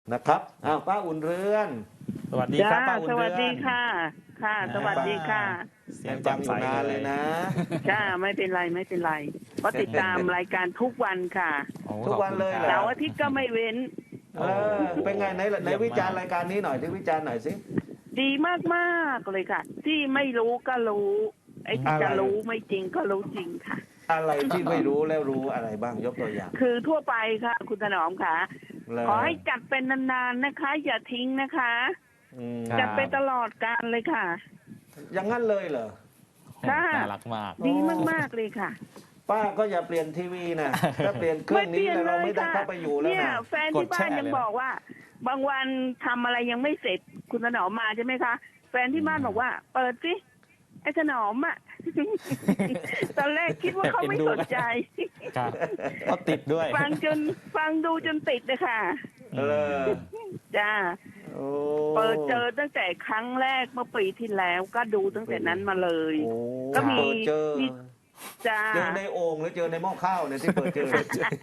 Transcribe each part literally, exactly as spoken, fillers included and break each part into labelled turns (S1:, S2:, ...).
S1: นะครับอ้าวป้าอุ่นเรือน
S2: สวัสดีครับป้าอุ่น
S3: ส
S2: เรื
S3: วั
S2: อ
S3: ส
S2: น
S3: ดีค่ะ ค่ะ สวัสดีค่ะ
S2: เสียง
S1: ฟั
S2: แจ่
S1: ง
S2: ม
S1: อ
S2: ใส
S1: ยู่นานเลยนะ
S3: จ้าไม่เป็นไรไม่เป็นไรก็ติดตามรายการทุกวันค่ะ
S2: โอ้
S1: ทุกวันเลยเหรอ
S3: เสาร์อาทิตย์ก็ไม่เว้น
S1: เออเป็นไงไหนไหนวิจารณ์รายการนี้หน่อยที่วิจารณ์หน่อยสิ
S3: ดีมากๆเลยค่ะ ที่ไม่รู้ก็รู้ไอ้ที่จะรู้ไม่จริงก็รู้จริงค่ะ
S1: อะไรที่ไม่รู้แล้วรู้อะไรบ้างยกตัวอย่าง
S3: คือทั่วไปค่ะ คุณถนอมค่ะ
S1: เลย
S3: ขอให้จัดเป็นนานๆนะคะ อย่าทิ้งนะคะ
S1: อืม
S2: ครับ
S3: จัดไปตลอดกาลเลยค่ะ
S1: อย่างนั้นเลยเหรอ
S3: ค่ะ
S2: น่ารักมาก
S3: ดีมากๆเลยค่ะ
S1: ป้าก็อย่าเปลี่ยนทีวีนะถ้าเปลี่ยนเครื่องนี้แล้วเราไม่ได้เข้าไปอยู่แล้ว
S3: เนี่ย
S1: นะ
S3: แฟนที่บ้าน
S2: กดแช่
S3: ยัง
S2: เลย
S3: บอกว่า บางวันทำอะไรยังไม่เสร็จ คุณถนอมมาใช่ไหมคะ แฟนที่บ้านบอกว่า เปิดสิไอ้ถนอมอ่ะ ตอนแรกคิดว่าเขาไม่สนใจ
S2: ครับเขาติดด้วย
S3: ฟังจนฟังดูจนติดเลยค่ะ
S1: เออ
S3: จ้า
S1: โอ้
S3: เปิดเจอตั้งแต่ครั้งแรกเมื่อปีที่แล้ว ก็ดูตั้งแต่นั้นมาเลย
S1: โอ้
S3: ก็มี
S1: เปิดเจอ
S3: มี จ้า
S1: เจอในโอ่งหรือเจอในหม้อข้าวเนี่ยที่เปิดเจอ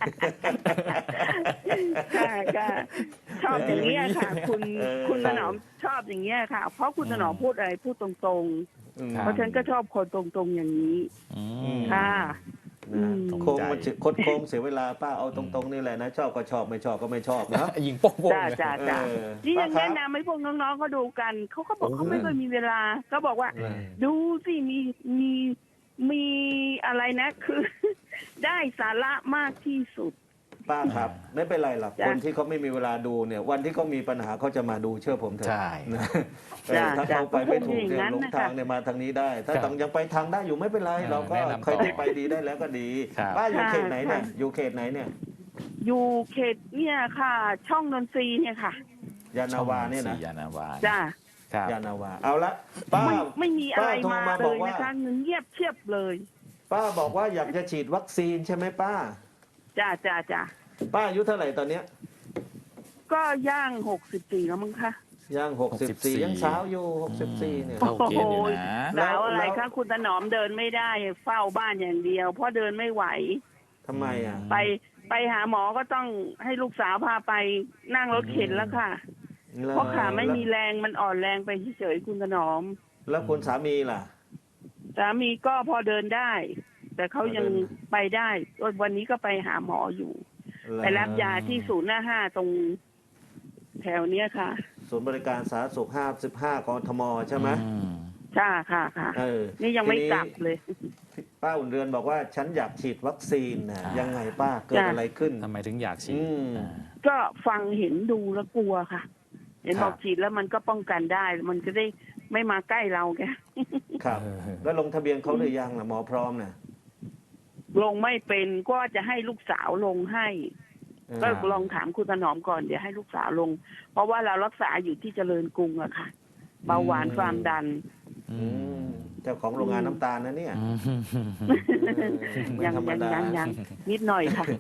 S3: ค่ะค่ะชอบอย่างนี้ยค่ะ คุณ
S1: เออ
S3: คุณถนอมชอบอย่างนี้ยค่ะ เพราะคุณถนอมพูดอะไรพูดตรง
S1: อืม
S3: ๆ เพราะฉันก็ชอบคนตรงๆอย่างนี้
S2: อื
S1: อื
S2: ม
S1: ม
S3: ค่ะ อืม
S1: โค้งมันคดโค้งเสียเวลาป้าเอาตรงๆนี่แหละนะชอบก็ชอบไม่ชอบก็ไม่ชอบนะ
S2: ยิงโป้งๆ
S3: จ้า
S2: เลย
S3: จ้าจ้า
S1: เออ
S3: นี่ยัง
S1: ป้าครับ
S3: แนะนำให้พวกน้องๆเขาดูกัน เขาก็บอก
S1: โอ้
S3: เขาไม่เคยมีเวลา ก็บอกว่า
S1: เออ
S3: ดูสิมีมีมีอะไรนะ คือ ได้สาระมากที่สุด
S1: ป้าครับไม่เป็นไรหรอก
S3: จ้ะ
S1: คนที่เขาไม่มีเวลาดูเนี่ย วันที่เขามีปัญหาเขาจะมาดูเชื่อผมเถอะ
S2: ใช่
S1: นะเออ
S3: จ้ะ
S1: ถ้า
S3: จ้ะ
S1: เขาไปไม่ถูก
S3: อย่าง
S1: เนี่ย
S3: นั้น
S1: หลง
S3: นะคะ
S1: ทางเนี่ยมาทางนี้ได้ ถ้า
S2: ครับ
S1: ต้องยังไปทางได้อยู่ไม่เป็นไร
S2: เออ
S1: เราก็
S2: แนะนำต่อ
S1: ใครที่ไปดีได้แล้วก็ดี
S2: ครับ
S1: ป้าอยู่
S3: ค่ะ
S1: เขตไหนเนี่ย
S3: ค่ะ
S1: อยู่เขตไหนเนี่ย
S3: อยู่เขตเนี่ยค่ะ ช่องนนทรีเนี่ยค่ะ
S1: ยานาวาเนี่ยนะ
S2: ช่องสี่ยานาวา
S3: จ้า
S2: ครับ
S1: ยานาวาเอาละป้า
S3: ไม่ไม่มีอะไร
S1: ป้าโทร
S3: มา
S1: มา
S3: เล
S1: บอก
S3: ย
S1: ว่า
S3: นะคะเงินเงียบเชียบเลย
S1: ป้าบอกว่าอยากจะฉีดวัคซีนใช่ไหมป้า
S3: จ้าจ้าจ้า
S1: ป้าอายุเท่าไหร่ตอนเนี้ย
S3: ก็ย่างหกสิบสี่แล้วมั้งคะ
S1: ย่างหกสิบสี่
S2: หกสิบสี่
S1: ยังสาวอยู่หกสิบสี่เนี่ย
S2: เข้าเกณฑ์อยู่นะ
S1: แล้
S3: สาว วอะไร
S1: แล้ว
S3: คะคุณถนอมเดินไม่ได้เฝ้าบ้านอย่างเดียว เพราะเดินไม่ไหว
S1: ทำไมอ่ะ
S3: ไปไปหาหมอก็ต้องให้ลูกสาวพาไปนั่งรถเข็นแล้วค่ะ เพราะขาไม่มีแรงมันอ่อนแรงไปเฉยๆคุณถนอม
S1: แล้วคุณสามีล่ะ
S3: สามีก็พอเดินได้ แต่เขายังไปได้วันนี้ก็ไปหาหมออยู่ ไปรับยาที่ศูนย์หน้าห้าตรงแถวเนี้ยค่ะ
S1: ศูนย์บริการสาธารณสุขห้าสิบห้ากทมใช่ไหม
S2: อืม
S3: ใช่ค่ะค่ะ
S1: เออ
S3: นี่ยังไม่
S1: ที
S3: กลับเลย
S1: ป้าอุ่นเรือนบอกว่าฉันอยากฉีดวัคซีนนะยังไงป้าเกิด
S3: จ้ะ
S1: อะไรขึ้น
S2: ทำไมถึงอยากฉีด
S1: อืม
S2: อ่า
S3: ก็ฟังเห็นดูแล้วกลัวค่ะ เห็น
S1: ครับ
S3: บอกฉีดแล้วมันก็ป้องกันได้ มันจะได้ไม่มาใกล้เราแก
S1: ครับ
S2: เออ
S1: แล้วลงทะเบียนเขาหรือยังล่ะหมอพร้อมน่ะ
S3: ลงไม่เป็นก็จะให้ลูกสาวลงให้
S1: เออ
S3: ก็ลองถามคุณถนอมก่อนเดี๋ยวให้ลูกสาวลง เพราะว่าเรารักษาอยู่ที่เจริญกรุงอะค่ะ เบาหวานความดัน
S2: อื
S1: อื
S2: ม
S1: มเจ้าของโรงงานน้ำตาลนะเนี่ย
S2: อืม
S1: เออไม่
S3: ยัง
S1: ธรรม
S3: ยัง
S1: ดา
S3: ยังยังนิดหน่อยค่ะ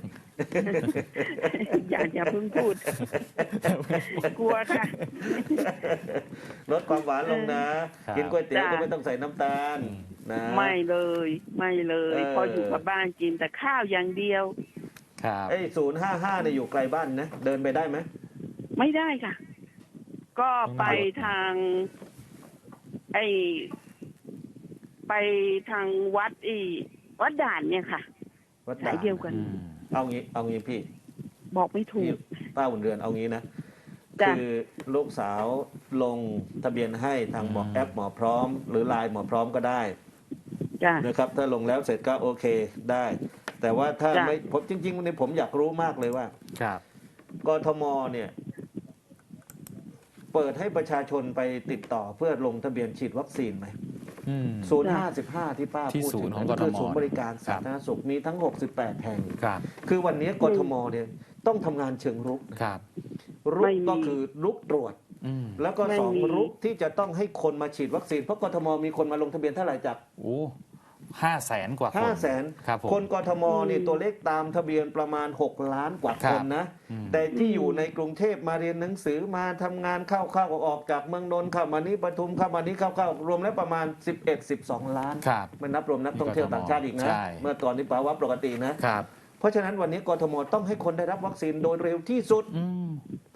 S3: อย่าอย่าเพิ่งพูด กลัวค่ะ
S1: ลดความหวานลงนะ
S2: ครับ
S1: กินก๋วยเตี๋ยว
S3: จ้ะ
S1: ก็ไม่ต้องใส่น้ำตาลนะ
S3: ไม่เลย ไม่เลย
S1: เออ
S3: พออยู่กับบ้านกินแต่ข้าวอย่างเดียว
S2: ครับ
S1: ไอ้ศูนย์ห้าห้าเนี่ยอยู่ไกลบ้านนะ เดินไปได้ไหม
S3: ไม่ได้ค่ะ ก็ไปทาง ไอไปทางวัดอีวัดด่านเนี่ยค่ะ
S1: วัด
S3: สา
S1: ด่าย น
S3: เดียวกัน
S2: อืม
S1: เอางี้เอางี้พี่
S3: บอกไม่ถู
S1: พี่
S3: ก
S1: ป้าอุ่นเรือนเอางี้นะ
S3: จ้ะ
S1: คือลูกสาวลงทะเบียนให้ทางหมอ
S2: อืม
S1: แอปหมอพร้อม หรือไลน์หมอพร้อมก็ได้
S3: จ้ะ
S1: นะครับ ถ้าลงแล้วเสร็จก็โอเคได้ แต่ว่าถ้า
S3: จ้ะ
S1: ไม่ผมจริงๆวันนี้ผมอยากรู้มากเลยว่า
S2: ครับ
S1: กทมเนี่ย เปิดให้ประชาชนไปติดต่อเพื่อลงทะเบียนฉีดวัคซีนไหม
S2: อืม
S1: ศูนย์ห้าสิบห้าที่ป้า
S2: ที่
S1: พูด
S2: ศู
S1: ถึ
S2: น
S1: ง
S2: ย์ของ
S1: นั่นคื
S2: กทม
S1: ศูนย์บริการ
S2: ครั
S1: สา
S2: บ
S1: ธารณสุขมีทั้งหกสิบแปดแห่ง
S2: ครับ
S1: คือวันนี้กทมเนี่ยต้องทำงานเชิงรุกนะครับ รุกก็คือรุกตรวจ
S2: อืม
S1: แล้วก็สองรุกที่จะต้องให้คนมาฉีดวัคซีนเพราะกทมมีคนมาลงทะเบียนเท่าไหร่จาก
S2: โอ้ห้าแสนกว่าคน
S1: ห้าแสน
S2: ครับผม
S1: คนกทมนี่ตัวเลขตามทะเบียนประมาณหกล้านกว่า
S2: ครั
S1: ค
S2: บ
S1: นนะ
S2: อืม
S1: แต่ที่อยู่ในกรุงเทพมาเรียนหนังสือมาทำงานเข้าเข้าออกจากเมืองนนท์เข้ามานี้ปทุมเข้ามานี้เข้าเข้ารวมแล้วประมาณสิบเอ็ด สิบสองล้าน
S2: ครับ
S1: ไม่นับรวมนักท่องเที่ยวต่างชาติอีกนะ
S2: ใช่
S1: เมื่อก่อนนี้ภาวะปกตินะ
S2: ครับ
S1: เพราะฉะนั้นวันนี้กทมต้องให้คนได้รับวัคซีนโดยเร็วที่สุด
S2: อืม
S1: เพ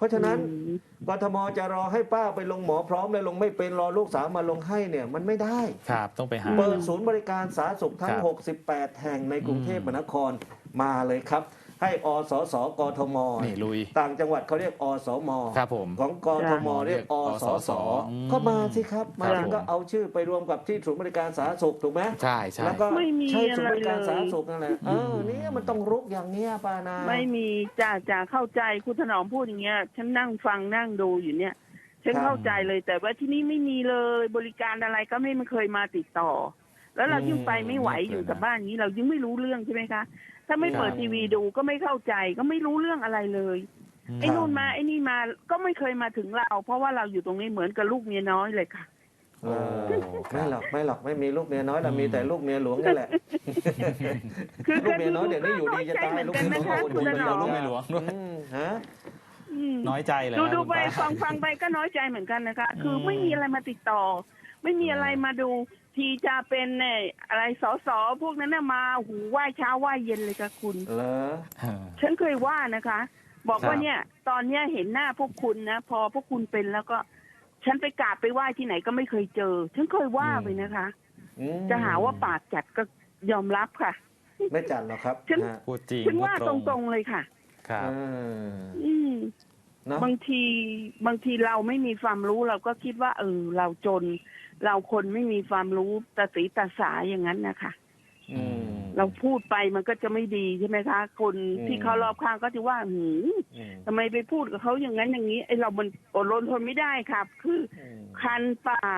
S1: ราะฉะนั้น
S3: อืม
S1: กทมจะรอให้ป้าไปลงหมอพร้อมเลยลงไม่เป็นรอลูกสาวมาลงให้เนี่ยมันไม่ได้
S2: ครับต้องไปหา
S1: เปิดศูนย์บริการสาธารณสุขทั้
S2: ค
S1: ง
S2: รับ
S1: หกสิบแปด แห่งในกรุงเทพ
S2: อืม
S1: มหานครมาเลยครับ ให้อสสกทม
S2: นี่ลุย
S1: ต่างจังหวัดเขาเรียกอสม
S2: ครับผม
S1: ของกทมเรียกอสส
S2: อืม
S1: ก็มาสิครับมา
S2: ครับ
S1: ถึงก็
S2: ผม
S1: เอาชื่อไปรวมกับที่ศูนย์บริการสาธารณสุขถูกไหม
S2: ใช่ใช่
S1: แล้วก็
S3: ไม่มี
S1: ใช้ศูนย์บริการ
S3: อะไรเลย
S1: สาธารณสุขนั่นแหละเออเนี่ยมันต้องรุกอย่างเงี้ยป้านา
S3: ไม่มีจ่าจ่าเข้าใจคุณถนอมพูดอย่างเงี้ย ฉันนั่งฟังนั่งดูอยู่เนี่ย ฉันเข้าใจเลยแต่ว่าที่นี่ไม่มีเลยบริการอะไรก็ไม่เคยมาติดต่อ แล้วเรายิ่งไปไม่ไหวอยู่กับบ้านนี้ เรายิ่งไม่รู้เรื่องใช่ไหมคะ ถ้าไม่เปิดทีวีดูก็ไม่เข้าใจก็ไม่รู้เรื่องอะไรเลย
S2: อืม
S3: ไอ้นู่นมาไอ้นี่มาก็ไม่เคยมาถึงเรา เพราะว่าเราอยู่ตรงนี้เหมือนกับลูกเมียน้อยเลยค่ะ
S1: โอ้
S2: ครั
S1: ไม่
S2: บ
S1: หรอกไม่หรอกไม่มีลูกเมียน้อยเรา
S2: อืม
S1: มีแต่ลูกเมียหลวงนี่แหละ
S3: คือ
S1: ลูกเมียน้อยเดี๋ยวนี้อยู่ดีจะตาย
S3: ก็น้อยใจเหมือนกันนะคะ
S1: ลูก
S3: คุณ
S1: เมีย
S3: ถ
S1: หล
S3: น
S1: ว
S3: อง ม
S2: ลูกเมียหลวงด้วย
S1: อืมฮะ
S3: อืม
S2: น้อยใจเลย
S3: ดู
S2: นะ
S3: ดู
S2: คุณ
S3: ไป
S2: ป้า
S3: ฟังฟังไปก็น้อยใจเหมือนกันนะคะ คือ
S2: อืม
S3: ไม่มีอะไรมาติดต่อ ไม่มีอะไรมาดู ทีจะเป็นเนี่ยอะไรสอสอพวกนั้นน่ะมาหูไหว้เช้าไหว้เย็นเลยค่ะคุณ
S1: เหรอ
S2: เออ
S3: ฉันเคยว่านะคะ บอก
S2: ครับ
S3: ว่าเนี่ย ตอนเนี้ยเห็นหน้าพวกคุณนะ พอพวกคุณเป็นแล้วก็ ฉันไปกราบไปไหว้ที่ไหนก็ไม่เคยเจอ ฉันเคยว่าไปนะคะ
S1: อืม
S3: จะหาว่าปากจัดก็ยอมรับค่ะ
S1: ไม่จัดหรอกครับ
S3: ฉัน
S1: ฮะ
S2: พูดจริง
S3: ฉัน
S2: พูด
S3: ว่าตรงๆเลยค่ะ
S2: ครับ
S1: เออ
S3: อืม
S1: เนอะ
S3: บางทีบางทีเราไม่มีความรู้เราก็คิดว่า เออ เราจน เราคนไม่มีความรู้ตาสีตาสาอย่างนั้นนะคะ
S1: อืม
S3: เราพูดไปมันก็จะไม่ดีใช่ไหมคะ คน
S1: อืม
S3: ที่เขารอบข้างก็จะว่าหืม
S1: อืม
S3: ทำไมไปพูดกับเขาอย่างนั้นอย่างนี้ไอเรามันอดรนทนไม่ได้ครับ คือ
S1: อืม
S3: คันปาก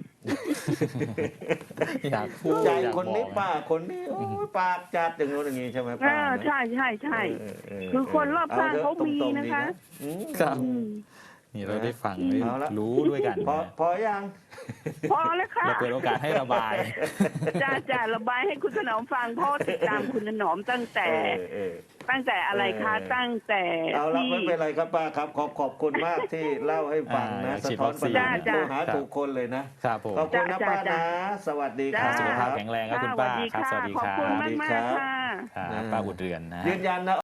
S2: อยากพูด
S1: ใจ
S2: อยาก
S1: คนนี้
S2: บอก
S1: ป้าคนนี้โอ้ยปากจัดอย่างโน้นอย่างนี้ใช่ไหม
S3: เอ
S1: ป้า
S3: อ
S1: นะ
S3: ใช่ใช่ใช่
S1: เออเออ
S3: คือคนรอบข้าง
S1: ถะ
S3: เขามี
S1: ตรงๆ
S3: นะคะ
S1: ดีอืม
S2: ครับ
S3: อืม
S2: นี่เราได้ฟัง
S3: อืม
S2: ได้
S1: เอาละ
S2: รู้ด้วยกัน
S1: พอพอยัง
S3: พอแล้วค่ะ
S2: เราเปิดโอกาสให้ระบาย
S3: จะจะระบายให้คุณถนอมฟังเพราะติดตามคุณถนอมตั้งแต่
S1: เออเออ
S3: ตั้งแต่อะไรคะ
S1: เออ
S3: ตั้งแต่
S1: เอาละ
S3: ที่
S1: ไม่เป็นไรครับป้าครับ ขอบขอบคุณมากที่เล่าให้ฟังนะ
S2: อ่า
S1: สะท้อนปัญหา
S3: จ้า
S1: โทร
S3: จ้า
S1: หาถูกคนเลยนะครับ
S2: ผม
S1: ขอบคุณนะ
S3: จ้า
S1: ป้า
S3: จ้า
S1: นะ สวัสดีค
S3: จ้า
S1: รับ
S2: สุขภาพแข็งแรงครับคุณป้าครับ สวัสดี
S3: ขอบ
S2: ครั
S3: คุณ
S2: บ
S3: มาก
S1: สวัสดี
S3: มาก
S1: ครับ
S3: ค่ะ
S2: ครับป้าบุญเรือนนะฮะ
S1: ยืนยันนะ